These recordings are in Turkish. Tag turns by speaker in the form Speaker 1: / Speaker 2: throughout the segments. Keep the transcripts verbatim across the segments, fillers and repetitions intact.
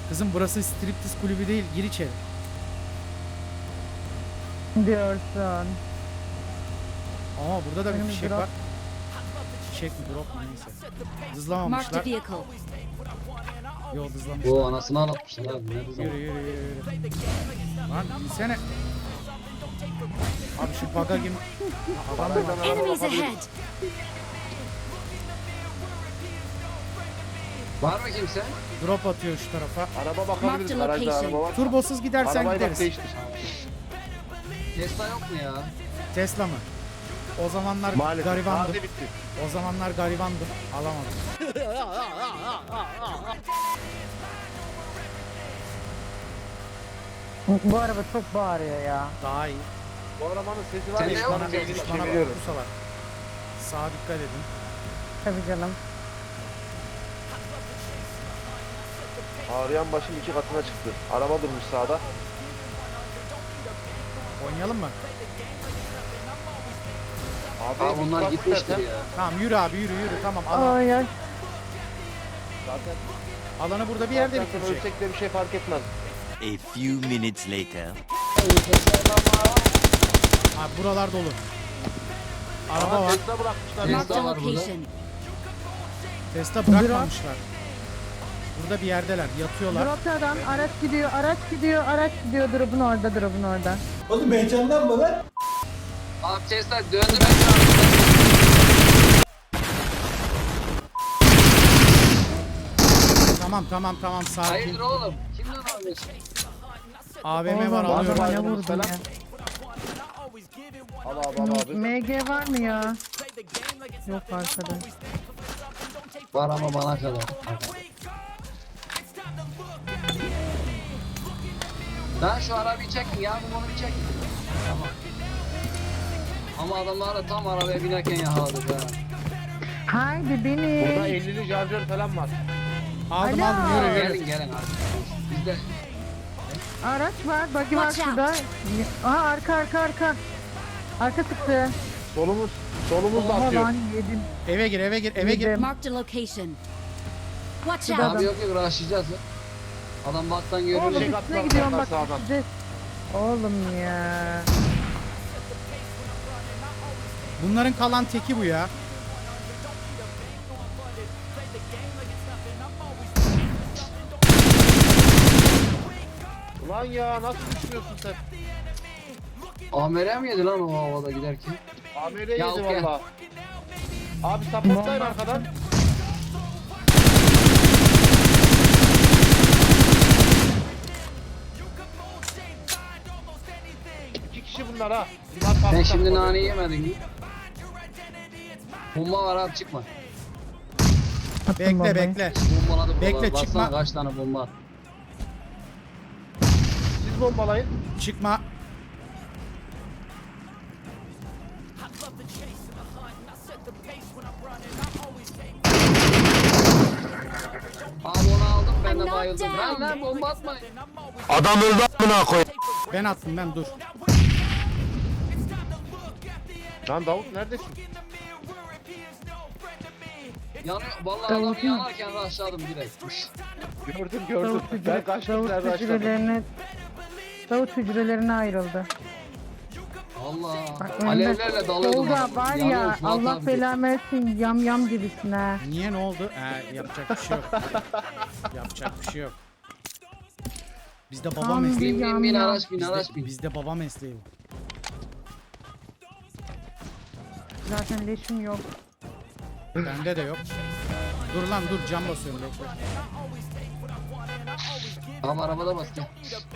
Speaker 1: Kızım burası striptiz kulübü değil. Gir içeri.
Speaker 2: Diyorsun.
Speaker 1: Ama burada da bir
Speaker 2: Benim
Speaker 1: fişek
Speaker 2: drop.
Speaker 1: var. Fişek mi drop mu neyse.
Speaker 3: Marked a
Speaker 1: Hızlamamışlar.
Speaker 3: vehicle.
Speaker 1: Yol hızlamışlar.
Speaker 4: Bu anasını ağlatmışlar abi. Nerede zaman?
Speaker 1: Yürü yürü yürü yürü. Lan insene. Abi şu baga gibi. Ha, adam da var.
Speaker 3: Enemies ahead.
Speaker 4: Var mı kimse?
Speaker 1: Drop atıyor şu tarafa.
Speaker 5: Araba bakabiliriz.
Speaker 3: Marked
Speaker 5: Garajda
Speaker 3: location.
Speaker 5: araba var.
Speaker 1: Turbosuz gidersen
Speaker 5: Arabayı bak
Speaker 1: gideriz.
Speaker 5: değiştir.
Speaker 4: Tesla yok mu ya?
Speaker 1: Tesla mı? O zamanlar
Speaker 5: Maalesef.
Speaker 1: garibandım.
Speaker 5: Taze bitti.
Speaker 1: O zamanlar garibandım. Alamadım.
Speaker 2: Bu araba çok bağırıyor ya.
Speaker 1: Daha iyi.
Speaker 5: Bu arabanın sesi var
Speaker 4: Sen
Speaker 5: ya.
Speaker 4: ne
Speaker 5: Bana
Speaker 4: yaptın?
Speaker 5: beynini
Speaker 1: Bana bak
Speaker 5: çeviriyorum.
Speaker 1: kusalar. Sağa dikkat edin.
Speaker 2: Tabii canım.
Speaker 5: Ağrıyan başım iki katına çıktı. Araba durmuş sağda.
Speaker 1: Oynayalım mı?
Speaker 5: Abi,
Speaker 4: Abi bunlar
Speaker 5: bak
Speaker 4: gitmiştir
Speaker 5: istersen.
Speaker 4: ya.
Speaker 1: Tamam yürü abi yürü yürü. Tamam alan,
Speaker 2: Ay ay.
Speaker 5: Zaten,
Speaker 1: alanı burada bir yerde
Speaker 5: zaten
Speaker 1: bitirecek.
Speaker 5: ölsek de bir şey fark etmez.
Speaker 6: A few minutes later.
Speaker 1: Abi buralar dolu. Araba
Speaker 5: Ama
Speaker 1: var.
Speaker 5: Tesla bırakmışlar.
Speaker 4: Tesla
Speaker 3: Marked a
Speaker 4: var burada.
Speaker 3: location.
Speaker 1: Tesla bırakmamışlar. Burada bir yerdeler. Yatıyorlar.
Speaker 2: Drop'tan araç gidiyor, araç gidiyor, araç gidiyor. Drop'un orada, drop'un orada.
Speaker 4: Abi Tesla döndü ben de
Speaker 1: Tamam tamam tamam sakin.
Speaker 4: Hayırdır oğlum? Kimden alıyorsun?
Speaker 1: A V M var
Speaker 2: Oğlum,
Speaker 1: alıyorum.
Speaker 2: adama ne
Speaker 5: Alıyorum.
Speaker 2: vurdun
Speaker 5: Selam.
Speaker 2: ya?
Speaker 5: Al abi al abi.
Speaker 2: M G var mı ya? Yok arkada.
Speaker 4: Var ama bana kadar. Lan şu arabayı çekin ya, bunu bir çekin. Tamam. Ama adamlar da tam arabaya binerken yakaladık ha.
Speaker 2: Haydi beni.
Speaker 5: Burada ellili şarjör falan var.
Speaker 1: Aldım
Speaker 2: Alo.
Speaker 1: aldım yürü yürü.
Speaker 4: Gelin gelin abi. Bizde
Speaker 2: Araç var, buggy var
Speaker 3: Watch out.
Speaker 2: şurada. Aha arka arka arka. Arka çıktı.
Speaker 5: Solumuz. Solumuz da
Speaker 2: Oha
Speaker 5: atıyor.
Speaker 2: lan yedim.
Speaker 1: Eve gir eve gir eve gir.
Speaker 2: Yedim.
Speaker 3: Marked a location. Watch
Speaker 2: Şurada
Speaker 3: out.
Speaker 4: abi yok yok rushlayacağız ya. Adam baktan görüyor.
Speaker 2: Oğlum
Speaker 5: Şey
Speaker 2: üstüne
Speaker 5: atlar
Speaker 2: gidiyorum
Speaker 5: onlar
Speaker 2: bak.
Speaker 5: sağdan.
Speaker 2: Size. Oğlum ya.
Speaker 1: Bunların kalan teki bu ya.
Speaker 5: Ulan ya nasıl düşmüyorsun sen?
Speaker 4: Amer'e mi yedi lan o havada giderken?
Speaker 5: A M R
Speaker 4: Ya
Speaker 5: yedi
Speaker 4: okey.
Speaker 5: valla. Abi supportlayın arkadan. İki kişi bunlar ha. Bunlar
Speaker 4: Sen
Speaker 5: farklı
Speaker 4: şimdi
Speaker 5: takım.
Speaker 4: nane yemedin mi? Bomba var abi çıkma.
Speaker 2: Attım
Speaker 1: Bekle
Speaker 2: bombayı.
Speaker 1: bekle.
Speaker 4: Bombaladı buralar.
Speaker 1: Bekle,
Speaker 4: Baksana
Speaker 1: çıkma.
Speaker 4: kaç tane bomba at.
Speaker 5: Siz bombalayın.
Speaker 1: Çıkma.
Speaker 4: Abi onu aldım ben de
Speaker 3: I'm
Speaker 4: bayıldım.
Speaker 3: knocked
Speaker 4: Lan
Speaker 3: down.
Speaker 4: lan bomba atmayın.
Speaker 1: Ben attım ben dur.
Speaker 5: Lan Davut neredesin?
Speaker 4: Yanıyor. Vallahi adam
Speaker 2: Davut'un-
Speaker 4: yanarken rushladım direkt.
Speaker 5: Gördüm gördüm.
Speaker 2: Davut,
Speaker 5: Ben
Speaker 2: hücre,
Speaker 5: kaçtım
Speaker 2: Davut
Speaker 5: sen başladın.
Speaker 2: hücrelerine Davut hücrelerine ayrıldı.
Speaker 4: Allah.
Speaker 2: Bak,
Speaker 4: Alevlerle dalıyordum.
Speaker 2: Tolga
Speaker 4: adamı.
Speaker 2: var
Speaker 4: Yanıyor
Speaker 2: ya
Speaker 4: Fuat
Speaker 2: Allah
Speaker 4: abi.
Speaker 2: belamı versin yam yam gibisin ha.
Speaker 1: Niye ne oldu? Ee, yapacak bir şey yok. Yapacak bir şey yok. Bizde baba
Speaker 2: Tam
Speaker 1: mesleği.
Speaker 4: Bin bin
Speaker 2: Yam
Speaker 4: bin
Speaker 2: yam.
Speaker 4: araç bin araç
Speaker 1: Bizde,
Speaker 4: bin.
Speaker 1: bizde baba mesleği bu.
Speaker 2: Zaten leşim yok.
Speaker 1: Bende de yok. Dur lan dur cam basıyorum bekle.
Speaker 4: Tamam arabada bas gel.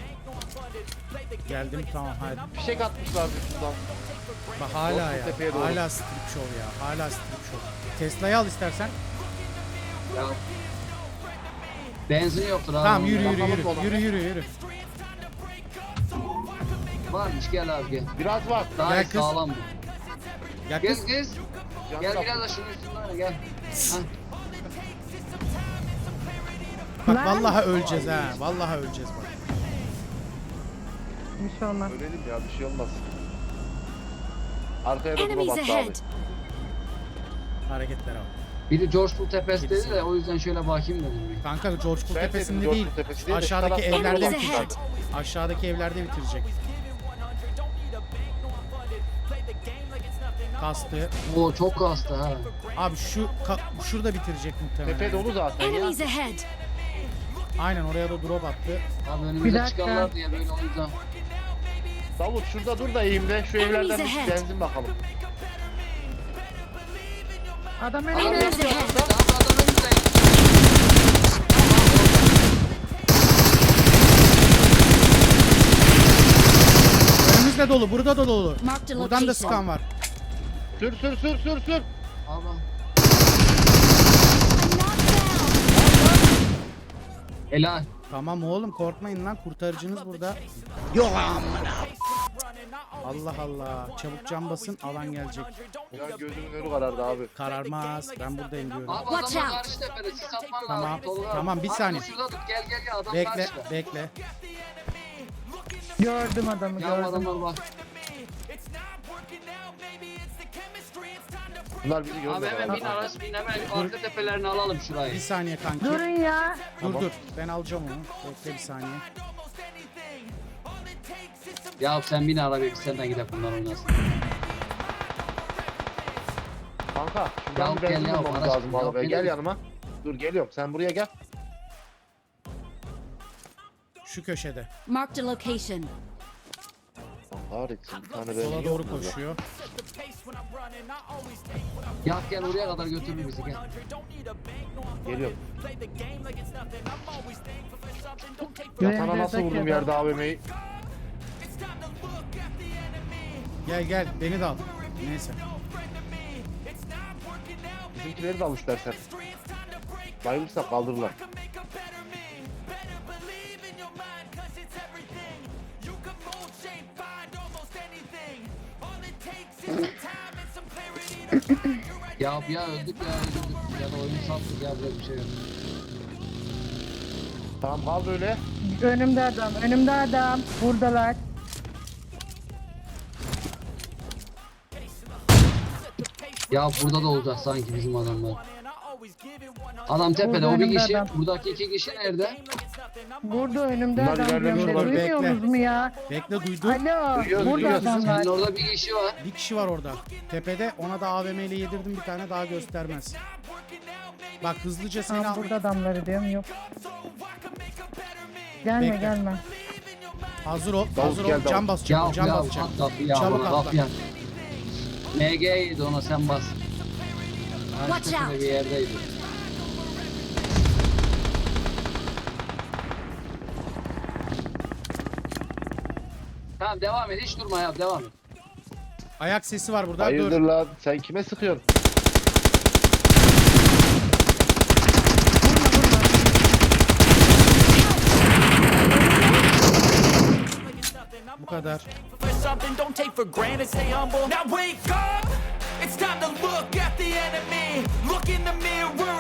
Speaker 1: Geldim tamam hadi.
Speaker 5: Fişek atmışlar şuradan.
Speaker 1: Bak hala
Speaker 5: Olsun
Speaker 1: ya.
Speaker 5: tepeye doğru.
Speaker 1: Hala strip show ya. Hala strip show. Tesla'yı al istersen.
Speaker 4: Ya. Benzin yoktur abi.
Speaker 1: Tamam yürü
Speaker 4: onda.
Speaker 1: yürü
Speaker 5: Kafamız
Speaker 1: yürü.
Speaker 5: dolan.
Speaker 1: Yürü yürü yürü.
Speaker 4: Varmış gel abi gel.
Speaker 5: Biraz var.
Speaker 4: Daha
Speaker 1: Gel
Speaker 4: iyi
Speaker 1: kız.
Speaker 4: sağlam bu.
Speaker 1: Gel
Speaker 4: Gel
Speaker 1: kız.
Speaker 4: kız.
Speaker 5: Can
Speaker 4: Gel
Speaker 5: kapı.
Speaker 4: biraz da şunun üstünden oyna, gel. Hah.
Speaker 1: Bak
Speaker 2: Lan.
Speaker 1: vallahi öleceğiz ha. Vallahi öleceğiz bak.
Speaker 2: Bir şey olmaz.
Speaker 5: Ölelim ya bir şey olmaz. Arkaya da drop
Speaker 3: Enemies
Speaker 5: attı abi.
Speaker 3: ahead.
Speaker 1: Hareketlere bak.
Speaker 4: Biri George Bull Tepesi dedi de o yüzden şöyle bakayım dedim. bir.
Speaker 1: Kanka George Bull
Speaker 5: Ben dedim
Speaker 1: tepesinde
Speaker 5: George
Speaker 1: değil.
Speaker 5: Bull Tepesi değil de şu
Speaker 1: Aşağıdaki
Speaker 5: tarafta
Speaker 1: evlerde
Speaker 3: Enemies
Speaker 1: bitirecek.
Speaker 3: ahead.
Speaker 1: Aşağıdaki evlerde bitirecek. Kastı.
Speaker 4: Oo çok kastı ha.
Speaker 1: Abi şu ka- şurada bitirecek muhtemelen.
Speaker 5: Tepe dolu zaten ya.
Speaker 3: Enemies ahead.
Speaker 1: Aynen oraya da drop attı.
Speaker 4: Abi
Speaker 2: Bir
Speaker 4: önümüze
Speaker 2: dakika.
Speaker 4: çıkarlar diye böyle o yüzden.
Speaker 5: Davut şurada dur da eğimde şu
Speaker 3: Enemies
Speaker 5: evlerden bir
Speaker 3: ahead.
Speaker 5: benzin bakalım.
Speaker 2: Adam
Speaker 4: Adam
Speaker 2: önünde.
Speaker 3: Enemies
Speaker 4: yapıyor.
Speaker 3: ahead.
Speaker 4: Daha adam önümüzde.
Speaker 1: Önümüzde dolu, burada da dolu.
Speaker 3: Marked a
Speaker 1: Buradan da
Speaker 3: location.
Speaker 1: sıkan var.
Speaker 5: Sür sür sür sür sür.
Speaker 4: Abi.
Speaker 3: I'm knocked down.
Speaker 4: Helal.
Speaker 1: Tamam oğlum korkmayın lan, kurtarıcınız burada. Yok amına. Allah Allah. Çabuk cam basın, alan gelecek.
Speaker 5: Ya gözümün önü karardı abi.
Speaker 1: Kararmaz. Ben buradayım diyorum.
Speaker 4: Abi
Speaker 3: Watch
Speaker 4: adamlar
Speaker 3: out.
Speaker 4: karşı tepede siz atman
Speaker 1: Tamam,
Speaker 4: lazım. Tolga.
Speaker 1: tamam, bir
Speaker 4: Abi
Speaker 1: saniye.
Speaker 4: Şurada tut gel gel gel adam
Speaker 1: Bekle,
Speaker 4: karşıda.
Speaker 1: bekle.
Speaker 2: Gördüm adamı
Speaker 4: Ya
Speaker 2: gördüm.
Speaker 4: adamlar bak.
Speaker 5: Bunlar bizi
Speaker 4: Abi
Speaker 5: görmüyor.
Speaker 4: hemen bin araç bin hemen arka tepelerini alalım
Speaker 1: Bir
Speaker 4: şurayı.
Speaker 1: saniye kanki.
Speaker 2: Durun ya.
Speaker 1: Dur dur. Ben alacağım onu. Bekle bir saniye.
Speaker 4: Ya sen bin arabaya biz senden gidelim bunlar oynasın.
Speaker 5: Kanka şuradan
Speaker 4: Ya
Speaker 5: bir
Speaker 4: gel
Speaker 5: benzin
Speaker 4: ya,
Speaker 5: bulmamız
Speaker 4: araç-
Speaker 5: lazım bu
Speaker 4: ya
Speaker 5: arabaya.
Speaker 4: benim-
Speaker 5: Gel yanıma. Dur geliyorum. Sen buraya gel.
Speaker 1: Şu köşede.
Speaker 3: Marked a location.
Speaker 5: Kahretsin. Bir tane benzin
Speaker 1: Sola
Speaker 5: yok
Speaker 1: doğru
Speaker 5: mu burada?
Speaker 1: koşuyor.
Speaker 4: Ya gel oraya kadar götür bizi gel.
Speaker 5: Geliyorum.
Speaker 2: Ve
Speaker 5: Yatana nasıl
Speaker 2: buradaki
Speaker 5: vurdum
Speaker 2: adam.
Speaker 5: yerde A V M'yi?
Speaker 1: Gel gel beni de al. Neyse.
Speaker 5: Bizimkileri de al istersen. Bayılırsak kaldırırlar.
Speaker 4: Ya ya öldük ya öldük. Ya da oyunu sattık ya böyle bir şey yok.
Speaker 5: Tamam kal böyle.
Speaker 2: Önümde adam. Önümde adam. Buradalar.
Speaker 4: Ya burada da olacak sanki bizim adamlar. Adam tepede
Speaker 2: Burada
Speaker 4: o bir
Speaker 2: önümde
Speaker 4: kişi.
Speaker 2: adam.
Speaker 4: Buradaki iki kişi nerede?
Speaker 2: Burada önümde
Speaker 5: Bunlar
Speaker 2: adam.
Speaker 5: ilerlemiş
Speaker 2: diyorum.
Speaker 1: olabilir.
Speaker 2: Duymuyorsunuz mu ya?
Speaker 1: Bekle duydum.
Speaker 2: Alo.
Speaker 5: Duyuyoruz,
Speaker 2: Burada
Speaker 5: duyuyoruz.
Speaker 2: adamlar.
Speaker 4: Senin orada bir kişi var.
Speaker 1: Bir kişi var orada. Tepede ona da A V M ile yedirdim, bir tane daha göstermez. Bak hızlıca seni
Speaker 2: Tamam
Speaker 1: al.
Speaker 2: burada adamları diyorum yok. Gelme
Speaker 1: Bekle.
Speaker 2: gelme.
Speaker 1: Hazır ol.
Speaker 5: Davut
Speaker 1: Hazır ol.
Speaker 5: gel, Davut.
Speaker 1: Cam basacağım.
Speaker 4: Ya
Speaker 1: Cam
Speaker 4: ya
Speaker 1: basacağım.
Speaker 4: at kapı ya.
Speaker 1: Çabuk
Speaker 4: bana
Speaker 1: atla.
Speaker 4: kapı ya. M G'ydi ona sen bas.
Speaker 3: Watch
Speaker 4: Karşı
Speaker 3: out.
Speaker 4: bir yerdeydi. Tamam devam et hiç durma ya devam et.
Speaker 1: Ayak sesi var burada.
Speaker 5: Hayırdır
Speaker 1: Dur.
Speaker 5: lan? Sen kime sıkıyorsun?
Speaker 1: Bu kadar.
Speaker 7: For something, don't take for granted, stay humble. Now wake up! It's time to look at the enemy. Look in the mirror.